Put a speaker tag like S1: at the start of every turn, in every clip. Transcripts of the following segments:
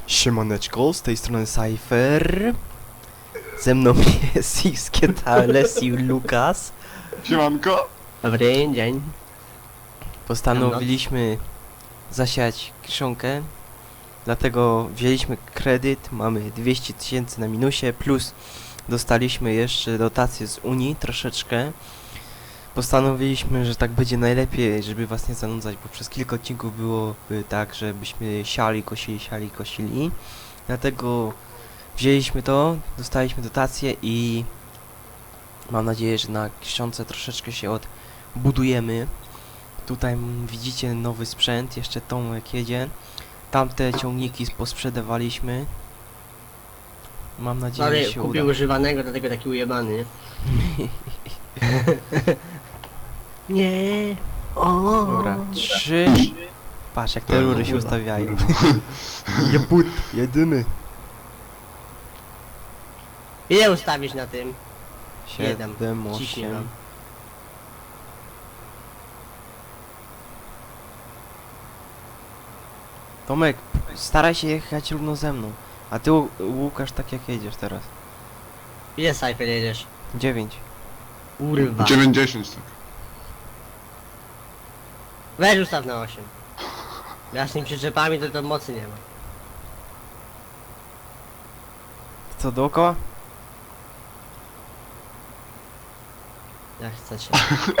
S1: Siemaneczko, z tej strony Cypher. Ze mną jest Xkietales i Lukas.
S2: Siemanko.
S3: Dobry dzień.
S1: Postanowiliśmy zasiać kiszonkę, dlatego wzięliśmy kredyt, mamy 200 000 na minusie, plus dostaliśmy jeszcze dotację z Unii troszeczkę. Postanowiliśmy, że tak będzie najlepiej, żeby was nie zanudzać, bo przez kilka odcinków byłoby tak, żebyśmy siali, kosili. Dlatego wzięliśmy to, dostaliśmy dotację i mam nadzieję, że na kiszonce troszeczkę się odbudujemy. Tutaj widzicie nowy sprzęt, jeszcze Tomek jedzie. Tamte ciągniki posprzedawaliśmy. Mam nadzieję,
S3: Ale
S1: że się
S3: kupił
S1: uda.
S3: używanego, dlatego taki ujebany, nie? Nie. O.
S1: Dobra, 3. Patrz jak te rury się ustawiają. Jebut, jedyny.
S3: Ile ustawisz na tym?
S1: 7,
S3: Ciśnie
S1: 8.
S3: nam.
S1: Tomek, staraj się jechać równo ze mną. A ty, Łukasz, tak jak jedziesz teraz.
S3: Ile Cypher jedziesz?
S1: 9.
S3: Kurwa.
S2: 90 tak.
S3: Weź ustaw na 8. Ja z tymi przyczepami to mocy nie ma.
S1: Co, dookoła?
S3: Jak chcecie.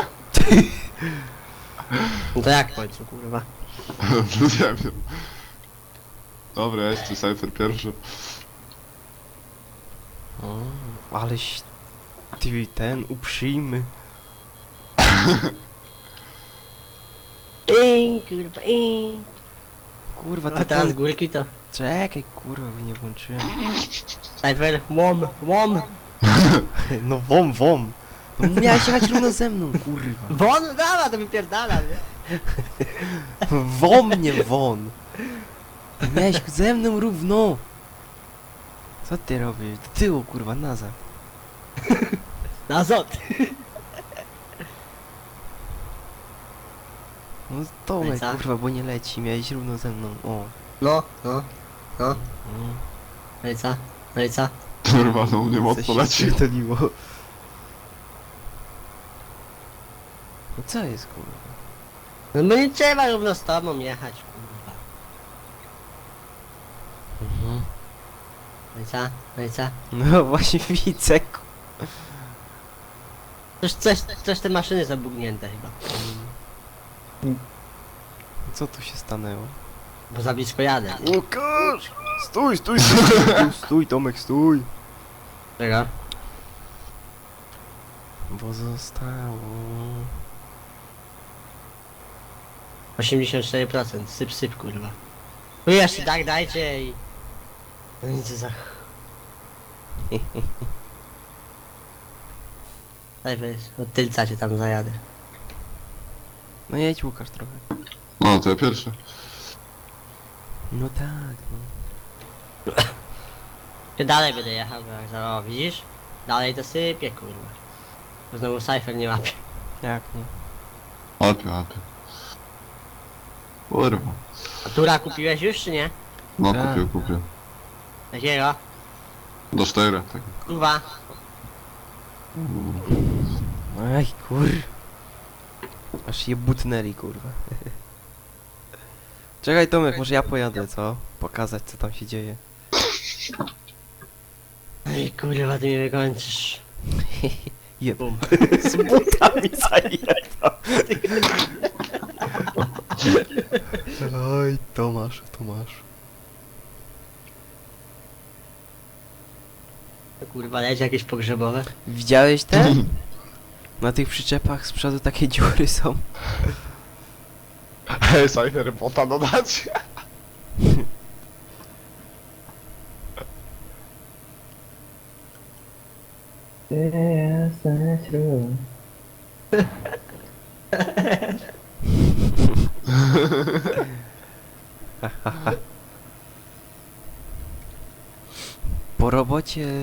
S3: No to jak w końcu, kurwa?
S2: Nie wiem. Dobra, jest tu Cypher pierwszy.
S1: O, aleś ty ten uprzejmy.
S3: Kurwa,
S1: Kurwa,
S3: A
S1: to
S3: teraz z
S1: ten...
S3: górki to...
S1: Czekaj, kurwa, bo nie włączyłem.
S3: Cypher, łom.
S1: No wom. No miałeś jechać równo ze mną, kurwa.
S3: Won, dawa, to wypierdala, nie?
S1: Nie won. Miałeś ze mną równo. Co ty robisz? Do tyłu, kurwa, nazad.
S3: Na zot.
S1: No Tomek,
S3: co?
S1: kurwa, bo nie leci. Miałeś równo ze mną. O.
S3: No.
S1: Mm.
S3: No i co?
S2: Kurwa, no mnie
S1: Coś
S2: mocno
S1: się
S2: leci.
S1: spierdoliło. No co jest, kurwa?
S3: No bo nie trzeba równo z tobą jechać, kurwa. No i co?
S1: No właśnie widzę,
S3: Coś te maszyny zabugnięte chyba.
S1: co tu się stanęło?
S3: Bo za blisko jadę.
S1: Łukasz! Stój, Tomek, stój!
S3: Czego?
S1: Bo zostało...
S3: 84%, syp, kurwa. No jeszcze tak dajcie i... No nic za... Daj weź, od tylca cię tam zajadę.
S1: No jedź, Łukasz, trochę.
S2: No, to ja pierwszy.
S1: No tak, no.
S3: Ja dalej będę jechał, bo jak za... O, widzisz? Dalej to sypie, kurwa. Bo znowu Cypher nie łapie.
S1: Jak nie?
S2: Łapie. Kurwa.
S3: A tura kupiłeś już, czy nie?
S2: No,
S1: Tak.
S2: kupię.
S3: Jakiego?
S2: Do 4, tak.
S3: Kurwa.
S1: Aj, kur... Aż je butnęli, kurwa. Czekaj, Tomek, może ja pojadę, co? Pokazać, co tam się dzieje.
S3: Ej, kurwa, ty mnie wykończysz.
S1: Jeb.
S3: Bum.
S1: Z butami zajebał. Oj, Tomasz.
S3: Kurwa, leci jakieś pogrzebowe.
S1: Widziałeś te? Na tych przyczepach z przodu takie dziury są.
S2: Hej, Cypher, bota dodać.
S1: Po robocie...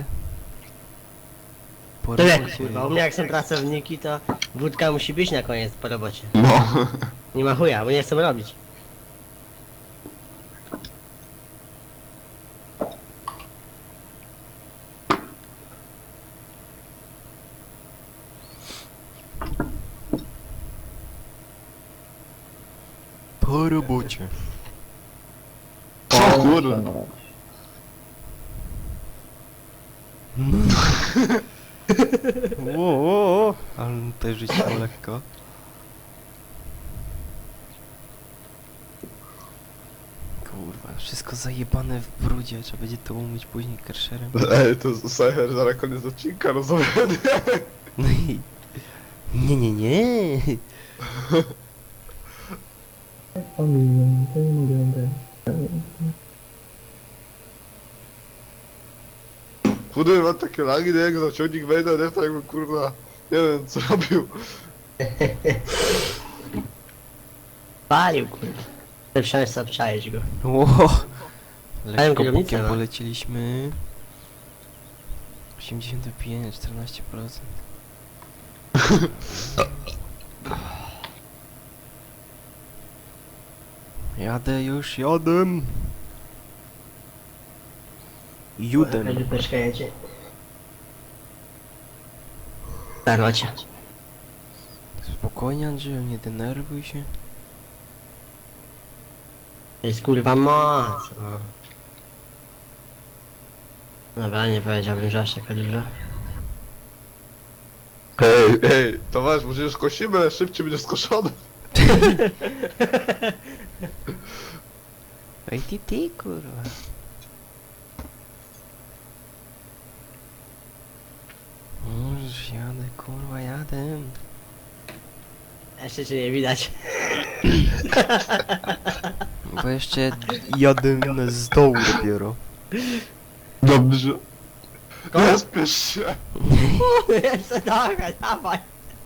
S1: Po
S3: Tyle,
S1: robocie...
S3: kurwa, u mnie jak są pracowniki, to wódka musi być na koniec po robocie.
S2: No.
S3: Nie ma chuja, bo nie chcą robić.
S1: po robocie.
S2: O kurwa.
S1: Ło, ale też rzuciło lekko. Kurwa, wszystko zajebane w brudzie, trzeba będzie to umyć później karszerem.
S2: Ej, to Cypher zaraz koniec odcinka, rozumiem?
S1: No i... Nie.
S2: Chudy, mam takie lagi, nie? Jak za ciągnik wejdę, nie? To jakby kurwa, nie wiem co robił.
S3: Palił, kurwa. Chcę wsiąść sobie, obczaić go.
S1: Ło,
S3: Mają
S1: lekko
S3: kierownicę,
S1: bokiem
S3: no.
S1: poleciliśmy. 85, 14%. Jadę już, jadę. Judem.
S3: Lupeczka jedzie. Starocia.
S1: Spokojnie, Andrzeju, nie denerwuj się.
S3: To jest kurwa moc. No. Dobra, nie powiedziałbym, że aż taka duża.
S2: Ej, towarzysz, może już kosimy, ale szybciej będzie skoszony.
S1: Ej, ty, kurwa. Już jadę, kurwa, jadę.
S3: Jeszcze cię nie widać.
S1: Bo jeszcze jadę z dołu dopiero.
S2: Dobrze. Nie spiesz się.
S3: Jeszcze dawaj, dawaj.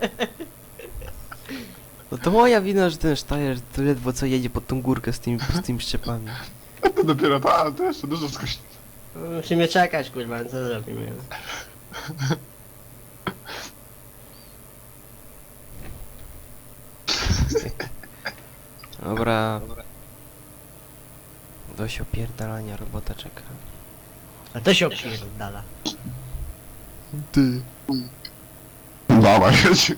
S1: No to moja wina, że ten Steyr to ledwo co jedzie pod tą górkę z tymi szczepami.
S2: To dopiero to jeszcze dużo skosi.
S3: Musimy czekać, kurwa, co zrobimy?
S1: Dobra. Dość opierdalania, robota czeka.
S3: A to się opierdala.
S1: Ty.
S2: Dawaj, jedź.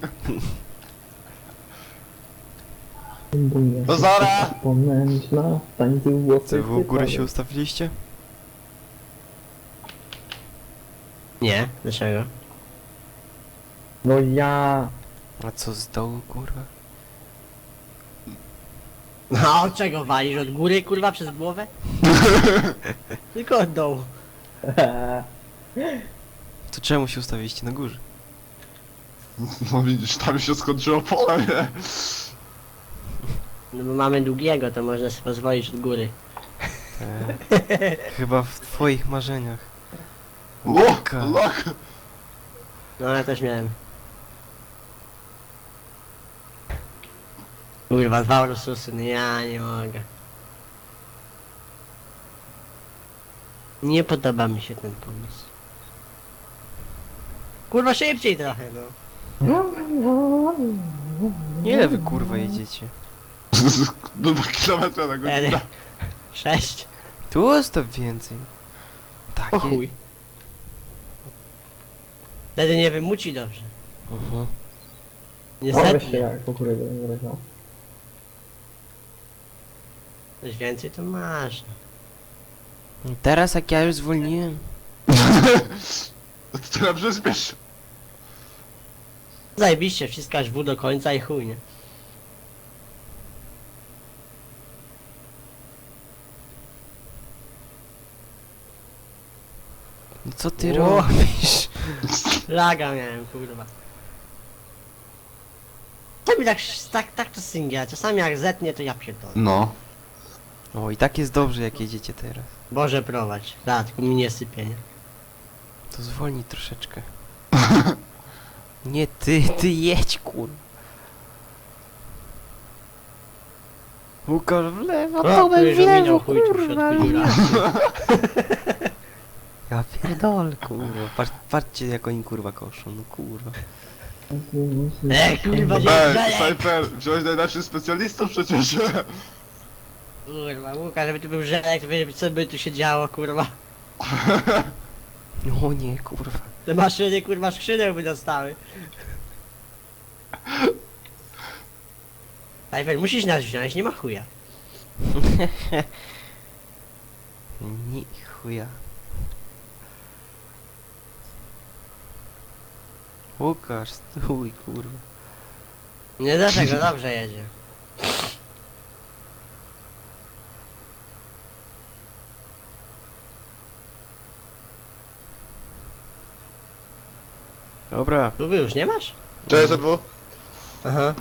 S2: No zara!
S4: Pomęśla, tańczy włosy.
S1: Co, wy u góry się ustawiliście?
S3: Nie, dlaczego?
S4: No ja...
S1: A co z dołu, kurwa?
S3: No od czego walisz? Od góry, kurwa, przez głowę? Tylko od dołu.
S1: To czemu się ustawiliście na górze?
S2: No widzisz, tam się skończyło pole, nie?
S3: No bo mamy długiego, to można sobie pozwolić od góry.
S1: Chyba w twoich marzeniach.
S2: Lok!
S3: No ja też miałem. Kurwa, dwa Ursusy, no ja nie mogę. Nie podoba mi się ten pomysł. Kurwa, szybciej trochę, no.
S1: Ile wy kurwa jedziecie?
S2: Do 2 km na godzinę.
S3: 6.
S1: Tu ustaw więcej.
S3: O
S1: Takie.
S3: chuj. Wtedy nie wymuci dobrze.
S1: Mhm.
S4: Weź się
S3: Niestety.
S4: jak po kurydę nie wyleciał.
S3: Coś więcej to masz.
S1: Teraz jak ja już zwolniłem.
S2: To teraz przyspiesz.
S3: Zajebiście, wciskasz W do końca i chuj, nie?
S1: No co ty
S3: O.
S1: robisz?
S3: Laga miałem, kurwa. Czasami tak to singia, czasami jak zetnie to ja pierdolę.
S2: No.
S1: O, i tak jest dobrze jak jedziecie teraz.
S3: Boże prowadź. Da, tylko mi nie sypie, nie?
S1: To zwolnij troszeczkę. Nie ty jedź kurwa. Łukasz w lewo,
S3: O,
S1: Tomek
S3: tu już
S1: w lewo,
S3: ominął chuj tu w
S1: kurwa.
S3: środku dziura.
S1: Ja pierdolę, kurwa. Patrzcie jak oni kurwa koszą, no kurwa.
S3: Kurwa, nie
S2: Ej, Cypher, wziąłeś najlepszych specjalistów przecież.
S3: Kurwa, Łukasz, żeby tu był żelek, to wiesz, co by tu się działo, kurwa.
S1: O nie, kurwa.
S3: Te maszyny, kurwa, skrzydeł by dostały. Cypher, musisz nas wziąć, nie ma chuja.
S1: Ni chuja. Łukasz, stój, kurwa.
S3: Nie dlatego, dobrze jedzie.
S1: Dobra.
S3: Tu wy już nie masz?
S2: Cześć, ZW.
S3: Aha.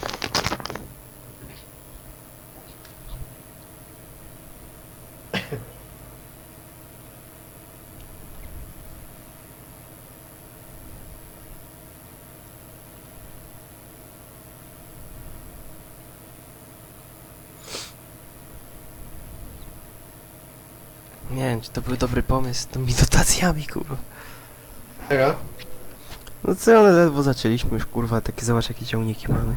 S1: Nie wiem, czy to był dobry pomysł z tymi dotacjami, kurwa.
S2: Czeka.
S1: No co, ale ledwo zaczęliśmy już, kurwa, takie zobacz jakie ciągniki mamy.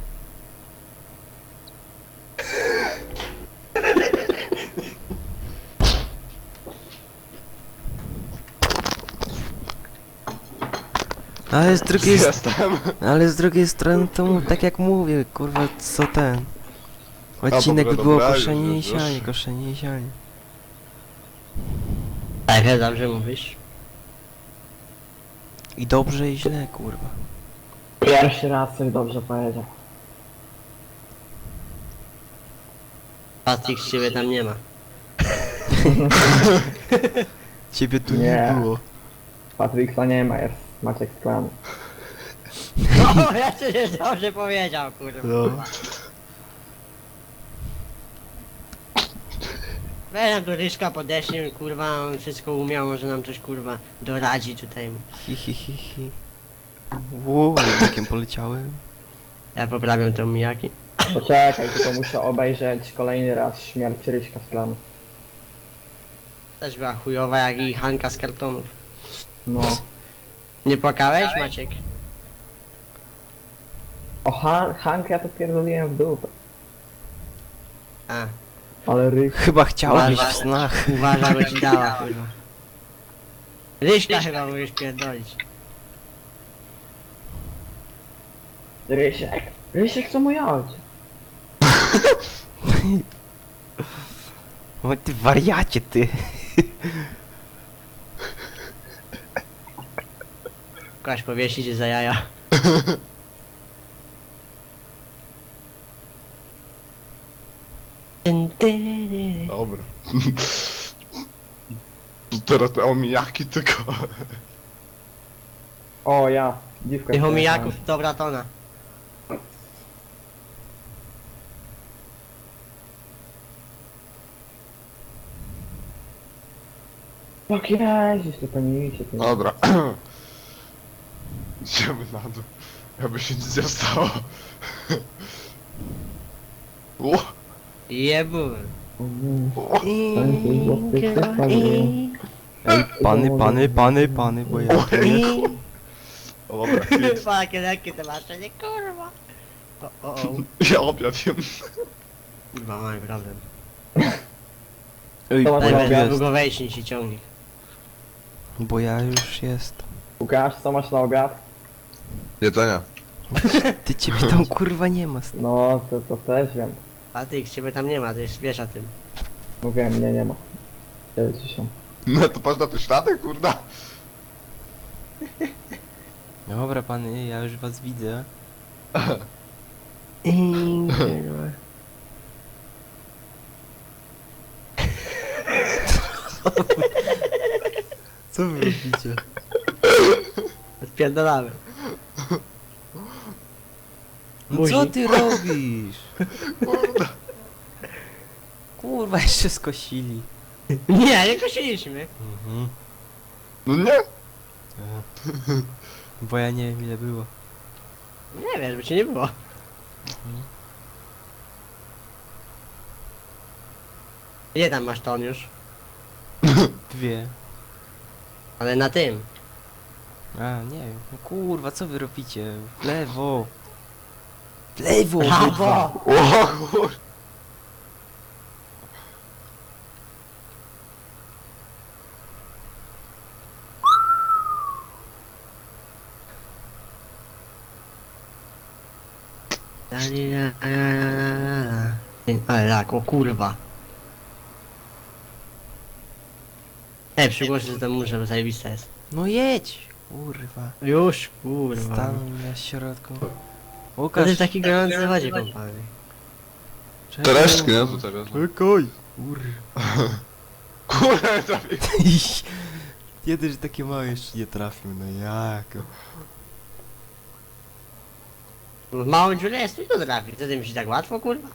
S1: Ale z drugiej,
S2: Jestem.
S1: ale z drugiej strony to tak jak mówię, kurwa, co ten. Odcinek by
S2: dobra,
S1: było
S2: dobra,
S1: koszenie i
S2: już.
S1: sianie, koszenie i sianie.
S3: Tak, dobrze mówisz.
S1: I dobrze i źle, kurwa.
S4: Pierwszy raz coś dobrze powiedział.
S3: Patryk, z ciebie tam nie ma.
S1: Ciebie tu
S4: Nie.
S1: nie było.
S4: Patryka nie ma, jest Maciek z klanu.
S3: O, ja przecież dobrze powiedział, kurwa.
S1: No.
S3: Weź nam tu Ryszka podeślij, kurwa, on wszystko umiał, może nam coś, kurwa, doradzi tutaj.
S1: Hi, hi, hi, hi. Wow, jakim poleciałem.
S3: Ja poprawiam tą Miyaki.
S4: Poczekaj, tylko muszę obejrzeć kolejny raz śmierć Ryśka z klanu.
S3: Też była chujowa jak i Hanka z kartonów.
S4: No.
S3: Nie płakałeś, Maciek?
S4: O Hank ja to pierdoliłem w dupę.
S3: A,
S4: Ale Ryś...
S1: Chyba chciałbyś
S3: Uważaj.
S1: w snach.
S3: uważaj, bo ci dała, kurwa. Ryśka chyba mówisz pierdolić.
S4: Rysiek! Rysiek to mój ojciec.
S1: O ty wariacie, ty.
S3: Kogoś powiesić za jaja.
S2: Dobra. To teraz te omijaki tylko.
S4: O ja, dziwka.
S3: Tych omijaków, dobra tona.
S4: Jak jeździsz, to nie idzie.
S2: Dobra. Idziemy na dół. Jakby się nic nie stało. O,
S3: Jebu.
S2: o,
S1: Ej, pany, bo ja tu nie...
S2: o, dobra, hit.
S3: Jakie lekkie te maszenie, kurwa. O.
S2: Ja obiad jem.
S3: Kurwa, mamy problem.
S1: Ej,
S4: To
S1: bo
S4: ma
S1: ja
S3: Najpierw
S4: Dobra,
S1: jest.
S3: długo wejść niż się ciągnie.
S1: Bo ja już jest.
S4: Łukasz, co masz na obiad?
S2: Jedzenia.
S1: Ty ciebie tam kurwa nie ma.
S4: No, to też wiem.
S3: Patryk, ciebie tam nie ma, ty już wiesz o tym.
S4: Mówiłem, mnie nie ma. 90.
S2: No to patrz na te ślady, kurda.
S1: Dobra pany, ja już was widzę. Co wy robicie?
S3: Spierdolamy.
S1: No co
S3: Buzi.
S1: ty robisz?
S2: Kurda.
S1: Kurwa, jeszcze skosili.
S3: Nie, nie kosiliśmy.
S1: Mhm.
S2: No nie.
S1: Bo ja nie wiem ile było.
S3: Nie wiesz, by cię nie było. Ile tam masz ton już?
S1: 2.
S3: Ale na tym.
S1: A, nie wiem. No kurwa, co wy robicie? W lewo. W lewo!
S3: Brawo!
S2: O kur...
S3: La, li, la, la, la, la, la. Ale tak, o kurwa. Przygłoszę, że to muszę, bo zajebista jest.
S1: No jedź! Kurwa.
S3: Już, kurwa.
S1: Stanął na środku.
S3: To
S1: Łukasz,
S3: jest taki gorący wodzie kąpany.
S2: Te
S1: czekaj.
S2: resztki, nie? To teraz.
S1: Czekaj! Kurwa.
S2: Kurde, trafię.
S1: Jeden, że takie małe jeszcze nie trafił, no jak?
S3: W małą dziurę jest tu trafi. Co ty myślisz, tak łatwo, kurwa?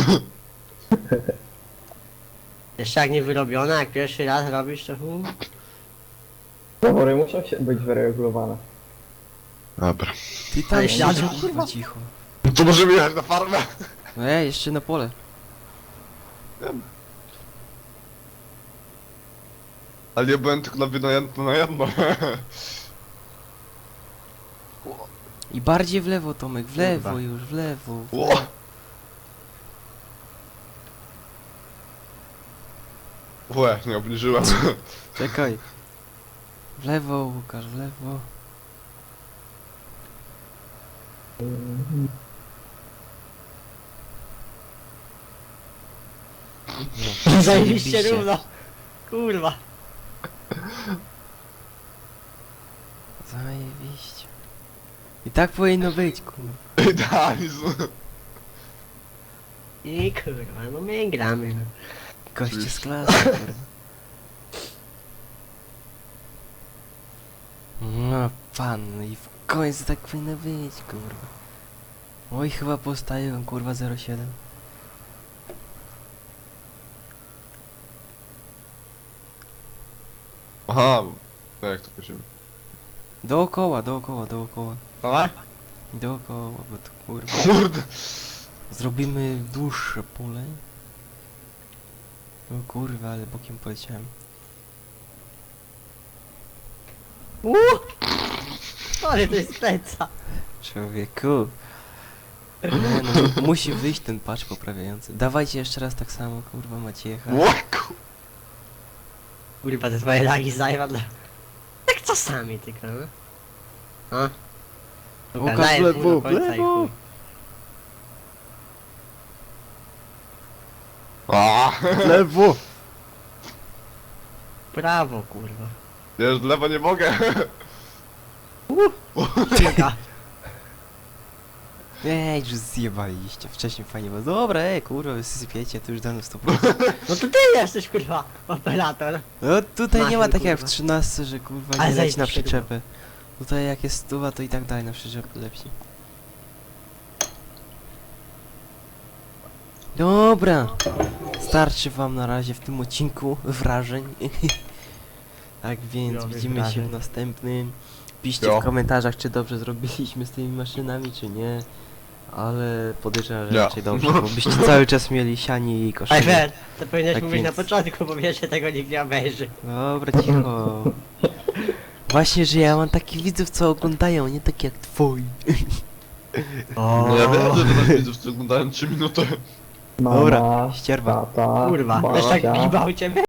S3: Jeszcze jak nie wyrobiona, jak pierwszy raz robisz, to
S4: Zawory muszą się być wyregulowane.
S2: Dobra.
S1: Ty tam
S3: Ale
S1: siedź,
S3: siadł,
S1: kurwa, cicho.
S2: No to możemy jechać na farmę.
S1: No jeszcze na pole.
S2: Ale ja byłem tylko na jedno.
S1: I bardziej w lewo, Tomek, w lewo
S3: Kurwa.
S1: już, w lewo.
S2: Ło. Łe, nie obniżyłem.
S1: Czekaj. W lewo, Łukasz, w lewo.
S3: zajebiście równo. Kurwa.
S1: Zajebiście. I tak powinno być, kurwa.
S2: Idealizm.
S3: I kurwa, no my gramy. No.
S1: Goście z klasy, kurwa. No pan, no i w końcu tak powinno być, kurwa. Oj, chyba postaję, kurwa, 07.
S2: Aha. No jak to powiedziałem?
S1: Dookoła, dookoła, dookoła.
S3: Koła?
S1: Dookoła, bo to kurwa.
S2: Kurde.
S1: Zrobimy dłuższe pole. O kurwa, ale bokiem poleciałem.
S3: Ale to jest pleca.
S1: Człowieku. Nie no, musi wyjść ten patch poprawiający. Dawajcie jeszcze raz tak samo, kurwa, macie jechać.
S2: Łaku.
S3: Kurwa, te twoje lagi zajwa dla... Tak czasami tylko, no. A?
S1: Łukasz,
S3: Daję
S1: w lewo,
S3: pół do
S1: w
S3: końca i
S1: lewo.
S3: chuj.
S2: A.
S1: Lewo!
S3: Prawo, kurwa.
S2: Wiesz, w lewo nie mogę.
S3: Kilka.
S1: Ej, już zjebaliście, wcześniej fajnie było. Dobra, kurwa, wy sypiecie, to już dano 100%.
S3: No to ty jesteś, kurwa, operator.
S1: No tutaj nie ma
S3: Machin,
S1: tak jak w
S3: kurwa.
S1: 13, że kurwa
S3: Ale
S1: nie leci na
S3: zajebiście
S1: przyczepę. Tutaj jak jest stuwa, to i tak dalej na przyczepę lepsi. Dobra, starczy wam na razie w tym odcinku wrażeń. Tak więc
S3: Chujowych
S1: widzimy się
S3: wrażeń.
S1: w następnym. Piszcie
S2: Jo.
S1: w komentarzach, czy dobrze zrobiliśmy z tymi maszynami, czy nie. Ale podejrzewam, że
S2: Ja.
S1: raczej dobrze, bo byście cały czas mieli sianie i koszulę.
S3: Ajfer, to powinieneś
S1: Tak
S3: mówić na
S1: więc-
S3: początku, bo wiesz, że tego nikt nie obejrzy.
S1: Dobra, cicho. Właśnie, że ja mam takich widzów, co oglądają, nie tak jak twoi.
S2: No ja wiem, że teraz widzów, co oglądałem 3 minuty.
S4: Mama,
S1: Dobra, ścierwa.
S4: tata,
S3: Kurwa, też tak
S4: babcia.
S3: gibał ciebie.